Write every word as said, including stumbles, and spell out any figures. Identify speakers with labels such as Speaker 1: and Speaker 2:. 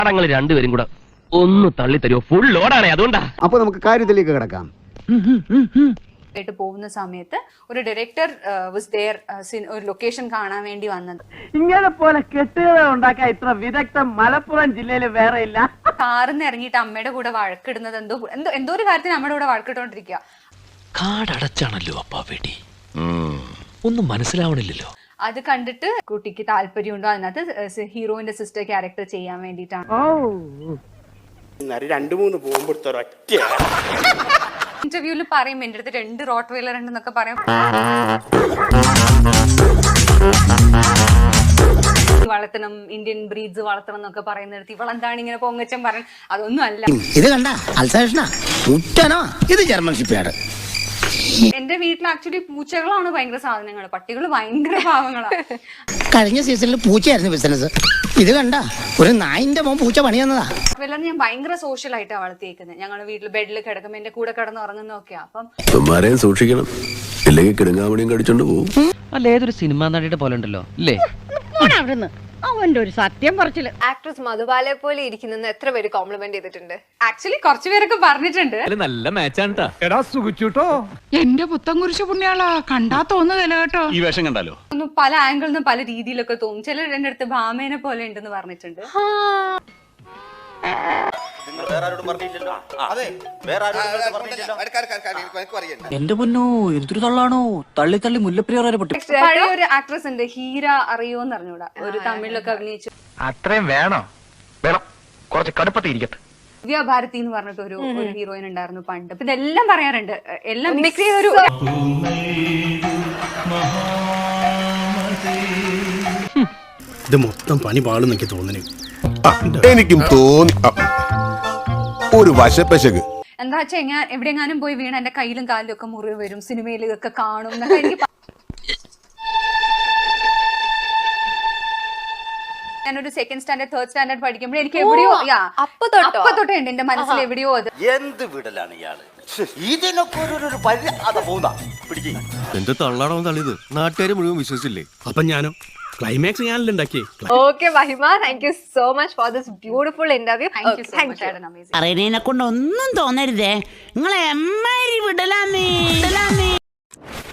Speaker 1: അടങ്ങൾ രണ്ടുപേരും കൂടെ ഒന്ന് തള്ളി തരുമോ? ഫുൾ ലോഡാണേ, അതുകൊണ്ടാ.
Speaker 2: അപ്പൊ നമുക്ക് കാര്യത്തിലേക്ക് കിടക്കാം.
Speaker 3: ആയിട്ട് പോകുന്ന സമയത്ത് ഒരു ഡയറക്ടർ വാസ് ദേർ ഒരു ലൊക്കേഷൻ കാണാൻ വേണ്ടി വന്നത്.
Speaker 4: ഇങ്ങനെ പോലെ കെട്ടുകഥ ഉണ്ടാക്കാൻ ഇത്ര വിദഗ്ധം മലപ്പുറം ജില്ലയിൽ വേറെ ഇല്ല.
Speaker 3: കാറിന്ന് ഇറങ്ങിയിട്ട് അമ്മയുടെ കൂടെ വഴക്കിടുന്നത് എന്തോ എന്തോ എന്തോ ഒരു കാര്യത്തിന് അമ്മയുടെ കൂടെ വഴക്കിട്ടോണ്ടിരിക്കുക.
Speaker 5: കാടടച്ചാണല്ലോ അപ്പാ വെടി, ഒന്നും മനസ്സിലാവണില്ലല്ലോ.
Speaker 3: അത് കണ്ടിട്ട് കുട്ടിക്ക് താല്പര്യമുണ്ടോ അതിനകത്ത് ഹീറോയിന്റെ സിസ്റ്റർ ക്യാരക്ടർ ചെയ്യാൻ വേണ്ടിയിട്ടാണ്.
Speaker 6: രണ്ടു മൂന്ന് പോകുമ്പോഴത്തെ ഒറ്റ
Speaker 3: ഇന്റർവ്യൂല് പറയും എന്റെ അടുത്ത് രണ്ട് റോട്ട് വെയിലർ ഉണ്ടെന്നൊക്കെ പറയും. വളർത്തണം, ഇന്ത്യൻ ബ്രീഡ്സ് വളർത്തണം എന്നൊക്കെ പറയുന്നിടത്ത് ഇവളെന്താണ് ഇങ്ങനെ പൊങ്ങച്ചം പറയണം. അതൊന്നും അല്ല.
Speaker 7: ഇത് കണ്ട അൽസേഷനാ ഇത് ജർമ്മൻ ഷിപ്പ്യാർഡ്.
Speaker 3: എന്റെ വീട്ടിൽ ആക്ച്വലി പൂച്ചകളാണ് ഭയങ്കര സാധനങ്ങൾ, പട്ടികൾ ഭയങ്കര പാവങ്ങളാണ്.
Speaker 7: കഴിഞ്ഞ സീസണിൽ പൂച്ചയായിരുന്നു ബിസിനസ്. ഇത് കണ്ട ഒരു നായിന്റെ മോൻ പൂച്ച പണി തന്നതാ.
Speaker 3: വെള്ളം ഞാൻ ഭയങ്കര സോഷ്യൽ ആയിട്ടാണ് വളർത്തിയേക്കുന്നത്. ഞങ്ങളുടെ വീട്ടിൽ ബെഡിൽ കിടക്കുമ്പോൾ എന്റെ കൂടെ കിടന്ന് ഉറങ്ങുന്നൊക്കെയാ. അപ്പം
Speaker 8: സൂക്ഷിക്കണം, ഇല്ലെങ്കിൽ കിടങ്ങാമണിയും കടിച്ചോണ്ട് പോകും.
Speaker 1: അല്ല, ഏതൊരു സിനിമാ നടിയുടെ പോലെ ഉണ്ടല്ലോ അല്ലേ?
Speaker 4: അവന്റെ ഒരു സത്യം പറച്ചില്.
Speaker 9: ആക്ട്രസ് മധുബാലയെ പോലെ ഇരിക്കുന്ന എത്ര പേര് കോംപ്ലിമെന്റ് ചെയ്തിട്ടുണ്ട്?
Speaker 3: ആക്ച്വലി കുറച്ചു പേരൊക്കെ പറഞ്ഞിട്ടുണ്ട്.
Speaker 5: നല്ല മാച്ചാണ്.
Speaker 10: എന്റെ പുത്തൻ കുരിശ് പുണ്യാളാ, കണ്ടാ തോന്നുകയല്ല കേട്ടോ.
Speaker 5: ഈ വേഷം കണ്ടാലോ
Speaker 3: ഒന്ന് പല ആംഗിളിൽ നിന്നും പല രീതിയിലൊക്കെ തോന്നും. ചിലർ എന്റെ അടുത്ത് ഭാമേനെ പോലെ ഉണ്ടെന്ന് പറഞ്ഞിട്ടുണ്ട്.
Speaker 7: എന്റെ പൊന്നോ എന്തൊരു തള്ളാണോ, തള്ളി തള്ളി മുല്ലപ്പെരിയാർ പൊട്ടി.
Speaker 3: പഴയ ഒരു ആക്ട്രസ് ഉണ്ട്, ഹീര അറിയോന്ന് അറിഞ്ഞൂടാ, ഒരു തമിഴിലൊക്കെ അഭിനയിച്ചു.
Speaker 1: അത്രയും വേണോ? വേണം, കുറച്ച് കടുപ്പത്തിരിക്കട്ടെ.
Speaker 3: ദിവ്യ ഭാരതി എന്ന് പറഞ്ഞിട്ട് ഒരു ഒരു ഹീറോയിൻ ഉണ്ടായിരുന്നു പണ്ട്. അപ്പൊ ഇതെല്ലാം പറയാറുണ്ട്, എല്ലാം മിക്സ് ചെയ്തൊരു.
Speaker 6: ഇത് മൊത്തം പണി പാടും എനിക്ക് തോന്നുന്നു.
Speaker 8: എനിക്കും തോന്നി ഒരു വശപ്പശക്.
Speaker 3: എന്താ വെച്ചാ ഞാൻ എവിടെയെങ്ങാനും പോയി വീണ എന്റെ കയ്യിലും കാലിലും ഒക്കെ മുറിവ് വരും, സിനിമയിൽ ഇതൊക്കെ കാണും എന്നൊക്കെ എനിക്ക്. ഞാനൊരു സെക്കൻഡ് സ്റ്റാൻഡേർഡ് തേർഡ് സ്റ്റാൻഡേർഡ് പഠിക്കുമ്പോൾ എനിക്ക് എവിടെയോ
Speaker 9: അപ്പൊ തൊട്ടോ
Speaker 3: അപ്പൊ തൊട്ടേ ഉണ്ട് എന്റെ മനസ്സിൽ എവിടെയോ അത്.
Speaker 6: എന്ത് വിടലാണ് ഇയാള്, ഇതിനൊക്കെ ഒരു പിടിക്കും.
Speaker 8: എന്റെ തള്ളാണോ തള്ളിയത് നാട്ടുകാർ മുഴുവൻ വിശ്വസിച്ചില്ലേ?
Speaker 6: അപ്പൊ ഞാനോ ക്ലൈമാക്സ് ഞാനല്ലേ ഉണ്ടാക്കി.
Speaker 9: Okay Mahima, thank you so much for this beautiful interview.
Speaker 7: അറിയണേനെ കൊണ്ട് ഒന്നും തോന്നരുതേ, നിങ്ങളെ എമ്മാരി വിടലാമേ.